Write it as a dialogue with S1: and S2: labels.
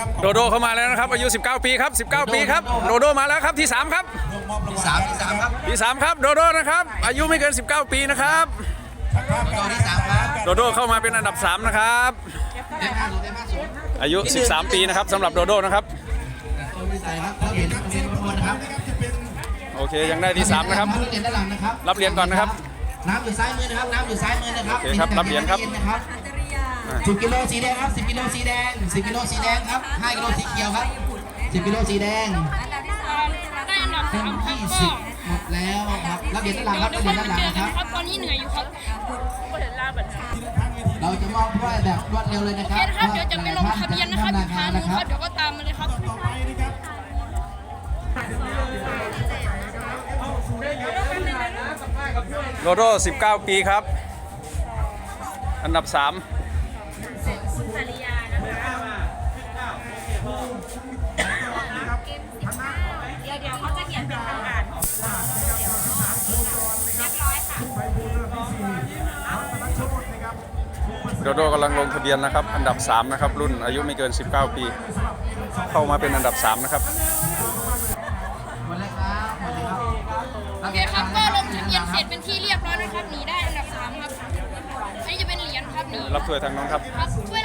S1: โดโดเข้ามาแล้วนะครับอายุ19ปีครับ19ปีครับโดโดมาแล้วครับที่3ครับ
S2: ที่สามครับ
S1: ที่3ครับโดโดนะครับอายุไม่เกิน19ปีนะครับ
S2: ตัวที่3ครับ
S1: โดโดเข้ามาเป็นอันดับ3นะครับอายุ13ปีนะครับสำหรับโดโดนะครับ
S2: ตัวที่ใส่ครับรับเหรียญนะครับ
S1: โอเคยังได้ที่3นะครับ
S2: รับเหรียญด้านหลังนะครับ
S1: รับเหรียญก่อนนะครับ
S2: น้ำอยู่ซ้ายมือนะครับน้ำอยู่ซ้ายมือนะครับ
S1: โอเคครับรับเหรียญครับ
S2: 10 กิโลสีแดงครับ10 กิโลสีแดง10 กิโลสีแดงครับ5 กิโลสีเขียวครับ10 กิโลสีแดง
S3: ได้อันดับ
S2: เต็ม
S3: 3ครับ
S2: ที่10หมดแล้วครับรับเหรียญด้านหลังครับรับเหรียญด้านหลังนะครับ
S3: ครับตอนนี้เหนื่อยอยู่ครับก็เห็นลาบัตร
S2: เราจะมอบด้วยแบบรวดเร็วเลยนะ
S3: โอ
S2: ค
S3: เครับ นะครับเดี๋ยวจะไปลงทะเบียนนะครับอีกครั้งนึงครับเดี๋ยวก็ตามมาเลยครับ
S1: โดโด19ปีครับอันดับ3
S3: เดี๋ยวเขาจะเขียนเป็นทางการเรียบร้อยค่ะ
S1: โดโดกำลังลงทะเบียนนะครับอันดับ3นะครับรุ่นอายุไม่เกิน19ปีเข้ามาเป็นอันดับ3นะครับ
S2: หมดเลยครับหมดเลยครับ
S3: โอเคครับก็ลงทะเบียนเสร็จเป็นที่เรียบร้อยนะครับหนีได้อันดับ3ครับอันนี้จะเป็นเหรียญครับหนี
S1: รับถ้วยทางน้องครับ
S3: ครับถ้วย